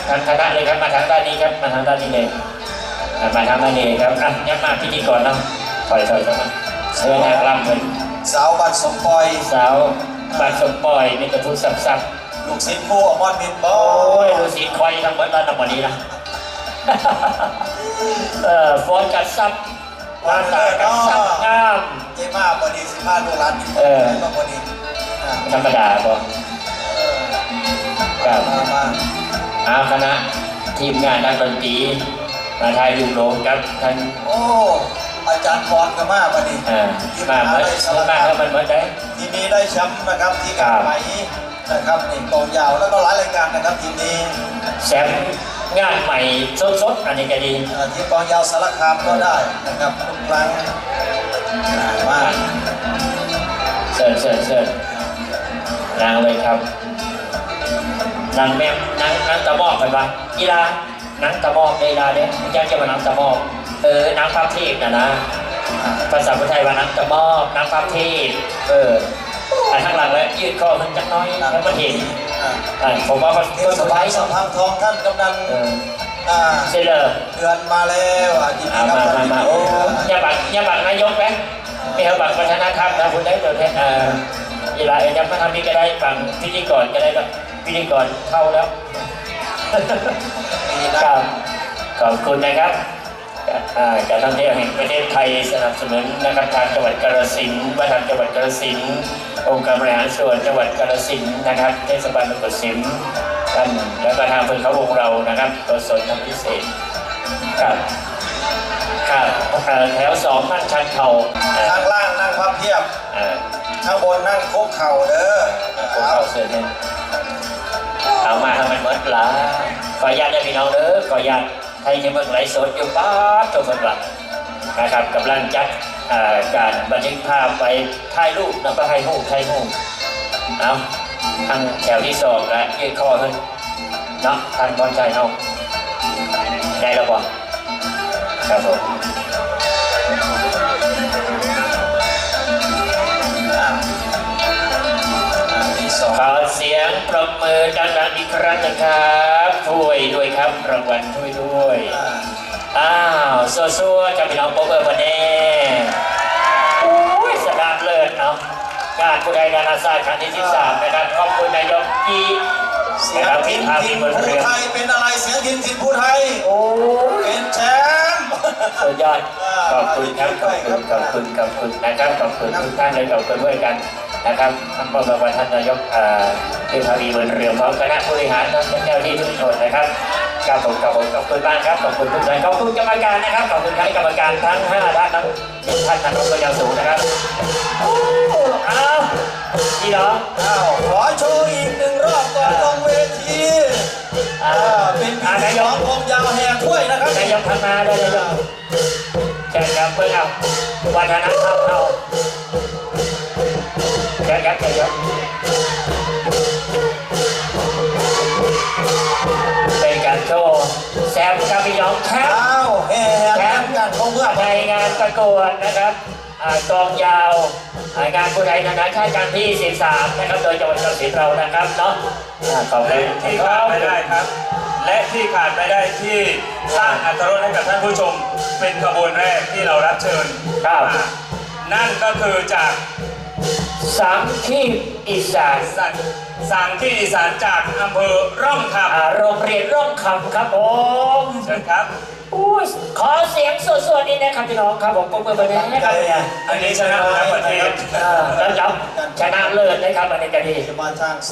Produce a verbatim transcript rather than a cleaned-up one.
ทางคณะเลยครับมาทางด้านนี้ครับมาทางด้านนี้เลยมาทางด้านนี้ครับอ่ะยับมาพิธีกรเนาะถอยถอยเข้ามาเชิญนางรำเหมือนสาวบัตรสมปอยสาวบัตรสมปอยนี่กระทุ้สับสับลูกศิษย์ผู้อมรมินบอโอ้ยลูกศิษย์คอยทั้งหมดแล้วทั้งหมดนี้นะเออฟอนกัดซับวาตากัดซับงามเจ้ามาบดีสิมาดูร้านนี้เออบดีธรรมดาบ่ครับอาคณะทีมงานนักดนตรีมาไทยยุโรปครับท่านโอ้อาจารย์พรก็มาบดีมาเหมือนมาแล้วมันเหมือนได้ทีนี้ได้แชมป์นะครับที่การไหมนะครับนี่กองยาวแล้วก็หลายรายการนะครับทีนี้แชมป์งานใหม่สดๆอันนี้ก็ดีที่กองยาวสารคามก็ได้นะครับทุกครั้งมาเชิญเชิญเชิญนางเลยครับนางแม่นางนางตะมอกไปปะกีฬานางตะมอกในกีฬาเนี่ยอยากจะมานางตะมอกเออนางพับเทพนะนะภาษาไทยว่านางตะมอกนางพับเทพเอออันข้างหลังแล้วยืดคอมันจักน้อยแล้วมันเห็นผมว่าเขาเสบายสัมพันธ์ทองท่านกำนันเซเลอร์เดือนมาแล้วอ่ะยินดีครับมามามาโอ้ยาบักยาบักนายกไหมมีเขาบักประธานธรรมนะคุณได้ตัวแทนอีหลายยังมาทำนี้ก็ได้ฝั่งพิธีกรก็ได้ก็พิธีกรเข้าแล้วครับขอบคุณนะครับการท่องเที่ยวแห่งประเทศไทยสนับสนุนนะครับทางจังหวัดกาฬสินธุ์ว่าทางจังหวัดกาฬสินธุ์องค์การบริหารส่วนจังหวัดกาฬสินธุ์นะครับเทศบาลตำบลสิมท่านแล้วก็ทางเพื่อนเขาวงเรานะครับตัวสนทำพิเศษครับครับแถวสองนั่งชันเข่าข้างล่างนั่งพับเพียบข้างบนนั่งโค้งเข่าเด้อโค้งเข่าเสือเนี่ยเอามาทำมันเหมือนปลาขออนุญาตได้พี่น้องเด้อขออนุญาตไทยจะเมืองไหลสดอยู่ป้าตัวคนหลักนะครับกำลังจัดการบันทึกภาพไปถ่ายรูปแล้วก็ให้หูถ่ายหูเอาทางแถวที่สองและยืดคอขึ้นเนาะท่านบอลใจเนาะได้แล้วป่ะครับผมขอเสียงปรบมือดังๆอีกครั้งนะครับถ้วยด้วยครับรางวัลถ้วยด้วยอ้าวซัวๆจะพี่น้องโป๊เบอร์วันนี้โอ้ยสนามเลิศเนาะการผู้ใดนานาชาติครั้งที่สิบสามนะครับขอบคุณนายกกีเสียงทินทินผู้ไทยเป็นอะไรเสียงทินทินผู้ไทยโอ้เป็นแชมป์สุดยอดขอบคุณครับขอบคุณขอบคุณขอบคุณนะครับขอบคุณทุกท่านเลยขอบคุณด้วยกันนะครับท่านผู้บริหารท่านนายกเทพาวีเบิร์นเรือพร้อมคณะบริหารทั้งเจ้าที่ทุกคนนะครับขอบคุณขอบคุณขอบคุณบ้างครับขอบคุณทุกท่านขอบคุณกรรมการนะครับขอบคุณคณะกรรมการทั้งห้าท่านทั้งสิบท่านท่านผู้บริหารสูงนะครับอ้าวนี่เหรออ้าวขอโชว์อีกหนึ่งรอบก่อนลงเวทีอ่าเป็นนายกกองยาวแห่ถ้วยนะครับนายกทำมาได้เลยเชิญครับเพื่อนเอาวัฒนธรรมเราเชิญครับเชิญครับเป็นการโชว์แซมกับพี่น้องแชมป์แชมป์กันของเพื่อในงานประกวดนะครับกองยาวงานผู้ใดนานาชาติครั้งที่สิบสามนะครับโดยจังหวัดกาฬสินธุ์เรานะครับเนาะขอบคุณที่ขาดไม่ได้ครับและที่ขาดไม่ได้ที่สร้างอรรถรสให้กับท่านผู้ชมเป็นขบวนแรกที่เรารับเชิญนั่นก็คือจากสามที่อีสานสามที่อีสานจากอำเภอร่องคำโรงเรียนร่องคำครับผมเชิญครับขอเสียงสดๆนี่นะครับพี่น้องครับผมปรบมือไปเลยนะครับอันนี้ชนะทั้งประเทศแล้วจับชนะเลิศนะครับอันนี้ก็ดี